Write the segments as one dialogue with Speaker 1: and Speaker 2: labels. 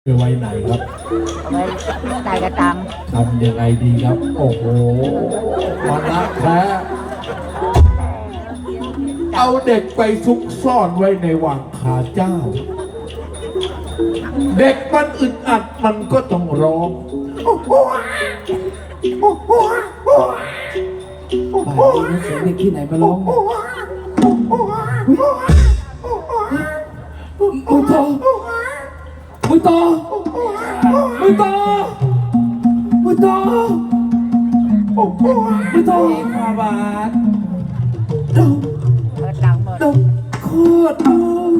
Speaker 1: ไปไว้ไหนครับ
Speaker 2: เอาไว้ใส่กระตัง
Speaker 1: ทำยังไงดีครับโอ้โหวันละแท้เอาเด็กไปซุกซ่อนไว้ในวังขาเจ้าเด็กมันอึดอัดมันก็ต้องร้อง
Speaker 3: ป่านนี้เสียงเด็กที่ไหนมาร้องมึงต่อมึงต่อมึงต่อมึงต่อมึงต่อขาบาดดม
Speaker 2: เปิดหลังหมด
Speaker 3: ดมโคตรดู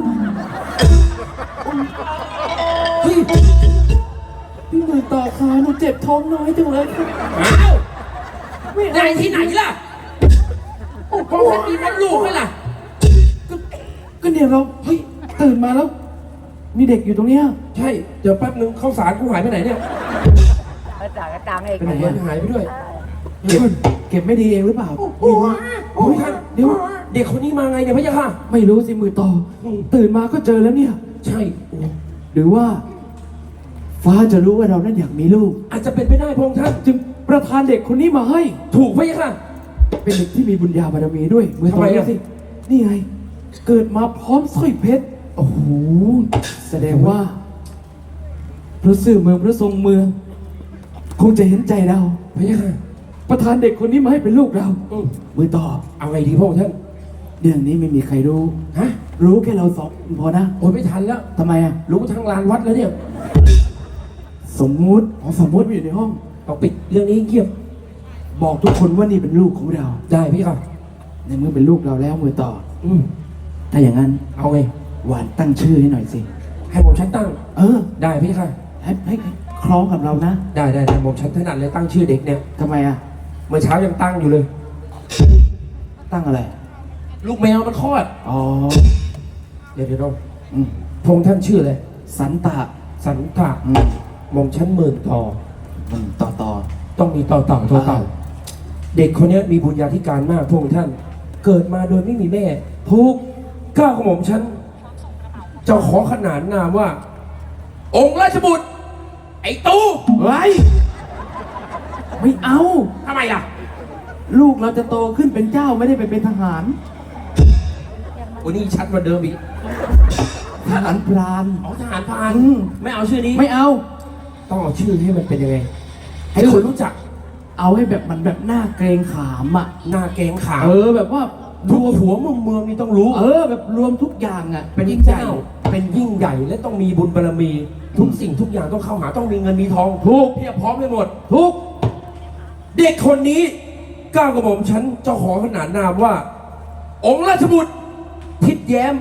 Speaker 3: เฮ้ยพี่มือต่อขาหนูเจ็บท้องน้อยจังเลยครับ
Speaker 4: อ้าวไหนที่ไหนล่ะพ่อท่านมีมดลูกไหมล่ะ
Speaker 3: ก็เนี่ยเราเฮ้ยตื่นมาแล้วมีเด็กอยู่ตรงเนี้ย
Speaker 4: ใช่เดี๋ยวแป๊บนึงข้าวสารกูหายไปไหนเนี่ย
Speaker 2: เปิดใส่กระตังเอง
Speaker 3: ไปไหน
Speaker 4: มั
Speaker 3: อะ
Speaker 4: นหายไปด้วย
Speaker 3: เก็บไม่ดีเองหรือเปล่า
Speaker 4: โอ้ยท่านเดี๋ยวเด็กคนนี้มาไงเนี่ยพะยะค่ะ
Speaker 3: ไม่รู้สิมือต่อตื่นมาก็เจอแล้วเนี่ย
Speaker 4: ใช่โอ้
Speaker 3: หรือว่า ฟ้าจะรู้ว่าเรานั้นอยากมีลูก
Speaker 4: อาจจะเป็นไปได้พระองค์ท่าน
Speaker 3: จึงประทานเด็กคนนี้มาให้
Speaker 4: ถูกพะยะค่ะ
Speaker 3: เป็นเด็กที่มีบุญญาบารมีด้วยมือต่อ
Speaker 4: ทำไมอะ
Speaker 3: สินี่ไงเกิดมาพร้อมสร้อยเพชรโอ้โหแสดงว่าพระสื่อเมืองพระทรงเมือง คงจะเห็นใจเรา
Speaker 4: พะยะค่ะ
Speaker 3: ประทานเด็กคนนี้มาให้เป็นลูกเรา มือต่อ
Speaker 4: เอาไงดีพระองค์ท่าน
Speaker 3: เรื่องนี้ไม่มีใครรู้
Speaker 4: ฮะ
Speaker 3: รู้แค่เราสองคนพอนะ
Speaker 4: โอ้ยไม่ทันแล้ว
Speaker 3: ทำไมอ่ะ
Speaker 4: รู้ทั้งลานวัดแล้วเนี่ย
Speaker 3: สมมุติสมมุติว่าอยู่ในห้อง
Speaker 4: ต้องปิดเรื่องนี้เงียบ
Speaker 3: บอกทุกคนว่านี่เป็นลูกของเรา
Speaker 4: ได้พะยะค่ะ
Speaker 3: ในเมื่อเป็นลูกเราแล้วมือต่อ
Speaker 4: อืม
Speaker 3: ถ้าอย่างนั้น
Speaker 4: เอาไง
Speaker 3: หวานตั้งชื่อให้หน่อยสิ
Speaker 4: ให้ผมชั้นตั้ง
Speaker 3: เออ
Speaker 4: ได้พะยะค่ะ
Speaker 3: ให้คล้องกับเรานะ
Speaker 4: ได้ผมชั้นถนัดเลยตั้งชื่อเด็กเนี่ย
Speaker 3: ทำไมอ่ะ
Speaker 4: เมื่อเช้ายังตั้งอยู่เลย
Speaker 3: ตั้งอะไร
Speaker 4: ลูกแมวมันคลอด
Speaker 3: อ๋อ
Speaker 4: เดี๋ยวเรา
Speaker 3: อืม
Speaker 4: พงษ์ท่านชื่ออะไร
Speaker 3: สันตะ
Speaker 4: สันตะ
Speaker 3: อืม
Speaker 4: หม่อมชั้นหมื่นต่อ
Speaker 3: ต่อ
Speaker 4: ต้องมีต่อเต่าเด็กคนนี้มีบุญญาธิการมากพงษ์ท่าน เกิดมาโดยไม่มีแม่ทุกก้าวของหม่อมชั้นจะขอขนานนามว่า องค์ราชบุตร ไอ้ตู้
Speaker 3: เฮ้ยไม่เอา
Speaker 4: ทำไมล่ะ
Speaker 3: ลูกเราจะโตขึ้นเป็นเจ้าไม่ได้ไปเป็นทหาร
Speaker 4: วันนี้ชัดกว่าเดิมอีก
Speaker 3: ทหารพราน
Speaker 4: อ๋อทหารพราน
Speaker 3: อืม
Speaker 4: ไม่เอาชื่อนี้
Speaker 3: ไม่เอา
Speaker 4: ต้องเอาชื่อให้มันเป็นยังไง ให้คนรู้จัก
Speaker 3: เอาให้แบบมันแบบหน้าเกรงขามอ่ะ
Speaker 4: หน้าเกรงขาม
Speaker 3: แบบว่า
Speaker 4: ทุกหัวเมืองนี่ต้องรู้
Speaker 3: แบบรวมทุกอย่างอ่ะ
Speaker 4: เป็น
Speaker 3: ยิ่ง
Speaker 4: เจ้า
Speaker 3: ใหญ่
Speaker 4: เป็นยิ่งใหญ่และต้องมีบุญบารมี ทุกสิ่งทุกอย่างต้องเข้าหาต้องมีเงินมีทอง
Speaker 3: ถูก
Speaker 4: เพียบพร้อมไปหมด
Speaker 3: ทุก
Speaker 4: เด็กคนนี้ก้าวกระหม่อมฉันเจ้าขอขนานนามว่า องค์ราชบุตรทิดแย้ม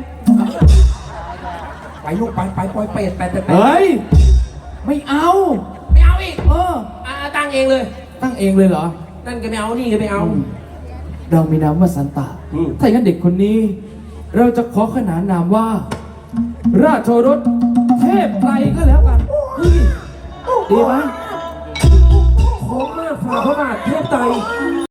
Speaker 4: ไปลูกไปปล่อยเป็ดไป
Speaker 3: เฮ้ย ไม่เอา
Speaker 4: ไม่เอาอีก ตั้งเองเลย
Speaker 3: ตั้งเองเลยเหรอ
Speaker 4: นั่นก็ไม่เอานี่ก็ไม่เอา
Speaker 3: เรามีนามว่าสันตะ
Speaker 4: อืม
Speaker 3: ถ้าอย่างนั้นเด็กคนนี้ เราจะขอขนานนามว่า ราชโอรสเทพไตรก็แล้วกันเฮ้ยดีไหม
Speaker 4: โค้งมากฝ่าพระบาทเทพไตร